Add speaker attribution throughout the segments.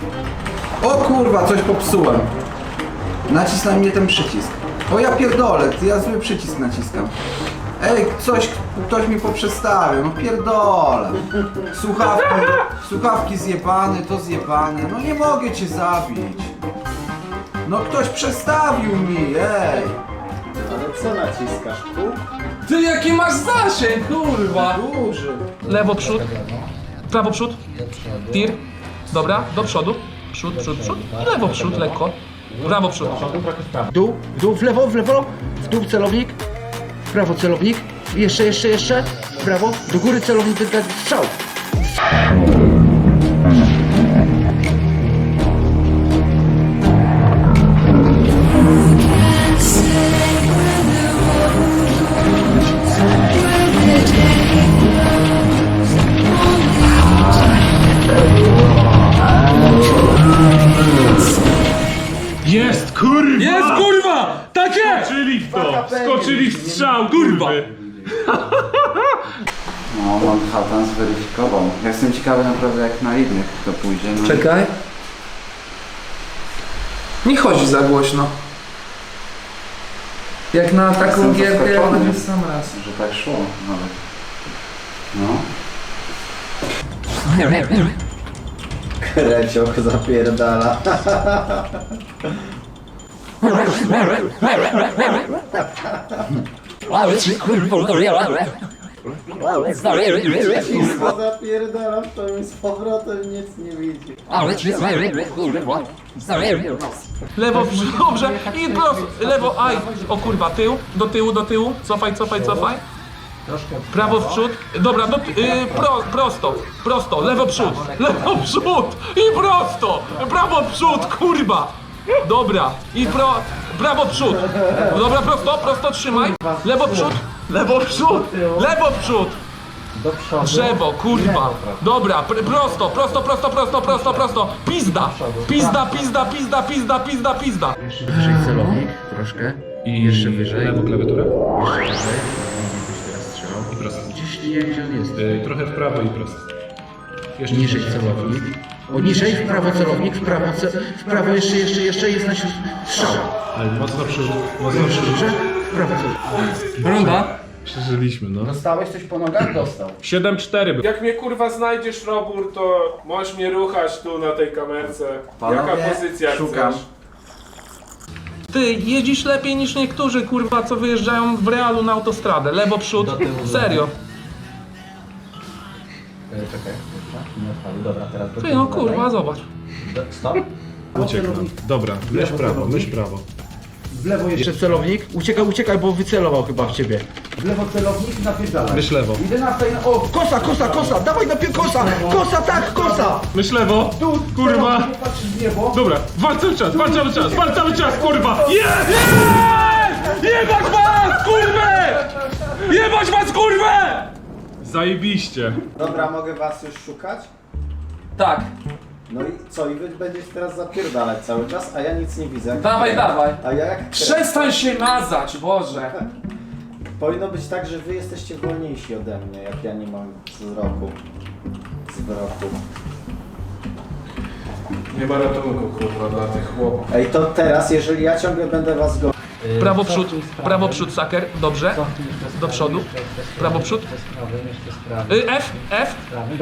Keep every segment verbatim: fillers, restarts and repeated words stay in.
Speaker 1: O kurwa, coś popsułem. Nacisnął mnie ten przycisk. O ja pierdolę, ja zły przycisk naciskam. Ej, coś, ktoś mi poprzestawił, no pierdolę. Słuchawki, słuchawki zjebane, to zjebane, no nie mogę cię zabić. No ktoś przestawił mi, ej.
Speaker 2: Ale co naciskasz? Kół?
Speaker 3: Ty jaki masz zasięg, kurwa!
Speaker 1: Duży.
Speaker 3: Lewo przód, prawo przód, tir, dobra, do przodu, przód, przód, przód, i lewo przód, lekko, prawo przód.
Speaker 4: Dół, w dół, w lewo, w lewo, w dół celownik, w prawo celownik, jeszcze, jeszcze, jeszcze, w prawo, do góry celownik, ten strzał.
Speaker 5: Jest, kurwa!
Speaker 3: Jest, kurwa! Takie!
Speaker 5: Skoczyli w to! Skoczyli w strzał, kurwa!
Speaker 1: No, Manhattan zweryfikował. Ja jestem ciekawy naprawdę jak na innych to pójdzie. No.
Speaker 3: Czekaj. Nie chodzi za głośno. Jak na taką
Speaker 1: Jestem
Speaker 3: gierkę, jak
Speaker 1: zaskoczony,
Speaker 3: na sam raz.
Speaker 1: że tak szło nawet. No.
Speaker 2: Krecioch zapierdala. Wszystko zapierdala w to i z powrotem nic nie widzi.
Speaker 3: Lewo, dobrze, i prosto, lewo, aj, o kurwa, tył, do tyłu, do tyłu, cofaj, cofaj, cofaj. Prawo w przód, dobra, do, y, pro, prosto, prosto, lewo przód, lewo przód i prosto, prawo przód, kurwa. Dobra, i pro, prawo przód, dobra, prosto, prosto trzymaj, lewo przód, lewo przód, lewo przód. Drzewo, kurwa. Dobra, pr prosto, prosto, prosto, prosto, prosto, prosto. Pizda, pizda, pizda, pizda, pizda, pizda, pizda.
Speaker 4: Jeszcze wyżej celownik, troszkę, i jeszcze wyżej,
Speaker 5: Lewo klawiaturę?
Speaker 4: jeszcze wyżej, byś teraz strzelał.
Speaker 5: I prosto.
Speaker 4: Gdzieś nie wiem, gdzie on jest.
Speaker 5: Y, trochę w prawo i prosto. Jeszcze
Speaker 4: Niżej celownik. O, niżej, w prawo celownik, w prawo, ce w prawo jeszcze, jeszcze, jeszcze jest na strzał.
Speaker 5: Ale mocno przeży... Mocno przeży...
Speaker 4: Dobrze? W prawo celownik.
Speaker 3: Runda.
Speaker 5: Przeżyliśmy, no.
Speaker 1: Dostałeś coś po nogach? Dostał.
Speaker 5: siedem cztery był.
Speaker 6: Jak mnie kurwa znajdziesz, Robur, to możesz mnie ruchać tu na tej kamerce.
Speaker 1: Panowie,
Speaker 6: Jaka pozycja
Speaker 1: szukam.
Speaker 6: chcesz?
Speaker 3: Ty jeździsz lepiej niż niektórzy, kurwa, co wyjeżdżają w realu na autostradę. Lewo przód. Serio.
Speaker 2: Czekaj, nie odpalił. Dobra, teraz do
Speaker 3: Ty no kurwa, zobacz.
Speaker 2: Stop.
Speaker 5: Uciekł nam. Dobra, myśl prawo, myśl prawo.
Speaker 4: W lewo jeszcze celownik. Uciekaj, uciekaj, bo wycelował chyba w ciebie. W lewo celownik, napierdalaj.
Speaker 5: Myśl lewo.
Speaker 4: jedenasta, o, kosa, kosa, kosa, dawaj napier kosa, kosa, tak, kosa.
Speaker 5: Myśl lewo.
Speaker 4: Tu,
Speaker 5: Kurwa.
Speaker 4: celownik, patrzysz w niebo.
Speaker 5: Dobra, wal cały czas, wal cały czas, wal cały czas, kurwa! Jest! Jest! Jebać was, kurwę! Jebać was, kurwę! Zajebiście.
Speaker 2: Dobra, mogę was już szukać?
Speaker 3: Tak.
Speaker 2: No i co? I wy będziesz teraz zapierdalać cały czas, a ja nic nie widzę.
Speaker 3: Dawaj, dawaj.
Speaker 2: A ja jak...
Speaker 3: Przestań się mazać, Boże.
Speaker 2: Powinno być tak, że wy jesteście wolniejsi ode mnie, jak ja nie mam wzroku. Zwroku.
Speaker 6: Nie ma ratunku kurwa dla tych chłopów.
Speaker 2: Ej, to teraz, jeżeli ja ciągle będę was go...
Speaker 3: Prawo przód, prawo przód, saker, dobrze. Do przodu. Prawo przód. Y, F, F.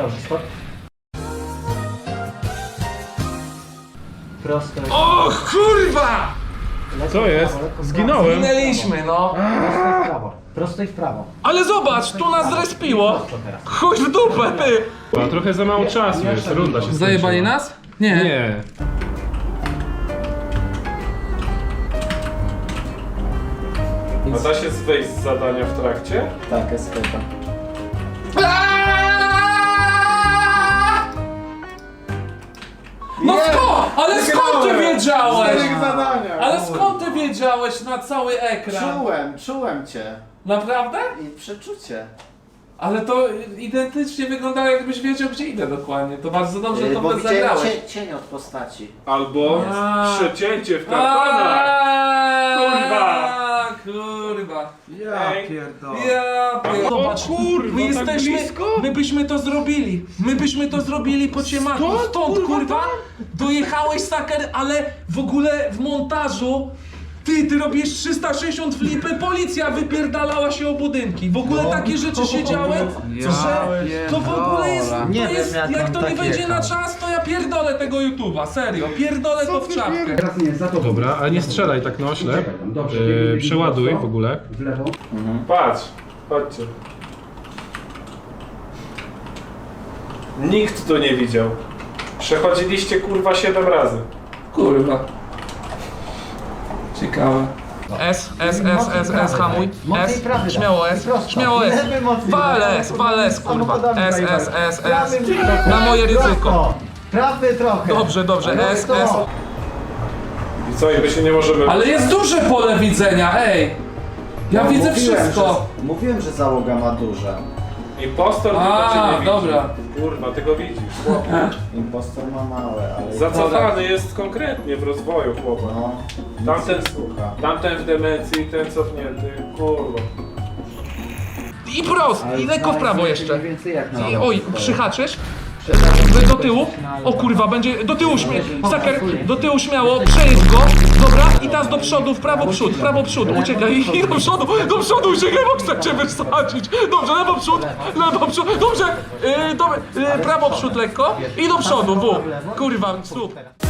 Speaker 3: O kurwa!
Speaker 5: Co jest? Zginąłem.
Speaker 3: Minęliśmy, no.
Speaker 2: Prosto i w prawo.
Speaker 3: Ale zobacz, tu nas zrespiło. Chuj w dupę, ty.
Speaker 5: A trochę za mało czasu jest, runda się skończyła.
Speaker 3: Zajebali nas? Nie.
Speaker 5: Nie.
Speaker 6: A da się wejść z zadania w trakcie?
Speaker 2: Tak, eskepa.
Speaker 3: No skąd? Ale skąd ty wiedziałeś?
Speaker 2: zadania!
Speaker 3: Ale skąd ty wiedziałeś na cały ekran?
Speaker 2: Czułem, czułem cię.
Speaker 3: Naprawdę?
Speaker 2: I przeczucie.
Speaker 3: Ale to identycznie wyglądało, jakbyś wiedział, gdzie idę dokładnie. To bardzo dobrze
Speaker 2: Yy,
Speaker 3: to
Speaker 2: bo widziałem
Speaker 3: zagrałeś.
Speaker 2: cie, cień od postaci.
Speaker 6: Albo
Speaker 3: A.
Speaker 6: przecięcie w kartonach.
Speaker 3: Aaaa,
Speaker 6: Kurwa.
Speaker 3: Kurwa.
Speaker 1: Ja
Speaker 6: Ej.
Speaker 1: pierdolę.
Speaker 3: Ja pierdolę. zobacz.
Speaker 6: O kurwa,
Speaker 3: my
Speaker 6: tak
Speaker 3: jesteśmy,
Speaker 6: blisko?
Speaker 3: my byśmy to zrobili. My byśmy to zrobili po ciemaku.
Speaker 6: Stąd,
Speaker 3: Stąd,
Speaker 6: kurwa,
Speaker 3: kurwa, dojechałeś, saker, ale w ogóle w montażu ty, ty robisz trzysta sześćdziesiąt flipy, policja wypierdalała się o budynki. W ogóle takie rzeczy się działy,
Speaker 1: Ja
Speaker 3: że to w ogóle jest, to
Speaker 2: Nie wiem,
Speaker 3: jest
Speaker 2: jak
Speaker 3: jak
Speaker 2: on
Speaker 3: to nie
Speaker 2: tak
Speaker 3: wejdzie na
Speaker 2: jechał.
Speaker 3: czas, to ja pierdolę tego YouTube'a, serio, pierdolę to w czapkę.
Speaker 4: Teraz nie, za to.
Speaker 5: Dobra, ale nie strzelaj tak na oślep.
Speaker 4: Dobrze,
Speaker 5: Yy,
Speaker 4: biegnie, biegnie
Speaker 5: przeładuj
Speaker 4: prosto.
Speaker 5: w ogóle.
Speaker 4: W lewo.
Speaker 6: Patrz, chodźcie. Nikt tu nie widział. Przechodziliście kurwa siedem razy.
Speaker 3: Kurwa. Ciekawe. S, S, S, S, S, hamuj.
Speaker 2: Mocniej
Speaker 3: S,
Speaker 2: prawy daj.
Speaker 3: śmiało S,
Speaker 2: Prosto.
Speaker 3: śmiało S.
Speaker 2: Lewy mocniej
Speaker 3: Wal
Speaker 2: daj.
Speaker 3: S, wal S, kurwa.
Speaker 2: Samochodami
Speaker 3: S,
Speaker 2: zajebaj.
Speaker 3: S, S, S.
Speaker 2: Prawy
Speaker 3: Na moje ryzyko.
Speaker 2: prosto. Prawy trochę.
Speaker 3: Dobrze, dobrze,
Speaker 2: Ale
Speaker 3: S,
Speaker 2: to.
Speaker 3: S.
Speaker 6: I co, i my się nie możemy...
Speaker 3: Ale jest duże pole widzenia, ej! Ja
Speaker 2: No,
Speaker 3: widzę
Speaker 2: mówiłem,
Speaker 3: wszystko.
Speaker 2: Że, mówiłem, że załoga ma duże.
Speaker 6: Impostor tylko
Speaker 3: A,
Speaker 6: cię nie widzi.
Speaker 3: dobra.
Speaker 6: Kurwa, ty go widzisz, chłopie.
Speaker 2: Impostor ma małe, ale...
Speaker 6: Zacofany jest konkretnie w rozwoju, chłopak.
Speaker 2: No,
Speaker 6: Tamten
Speaker 2: słucha.
Speaker 6: Tamten w demencji, ten cofnięty, kurwa.
Speaker 3: I prost, i lekko w prawo jeszcze.
Speaker 4: Mniej więcej jak na
Speaker 3: I, oj, przyhaczysz. Do tyłu. O kurwa, będzie do tyłu śmie... Saker, do tyłu śmiało, przejedź go. Dobra, i teraz do przodu, w prawo przód, w prawo przód. Uciekaj i do przodu, do przodu uciekaj, bo chcę cię wysadzić. Dobrze, lewo przód, lewo przód. Dobrze, yy, do, yy, prawo przód lekko i do przodu, w. Kurwa, słup.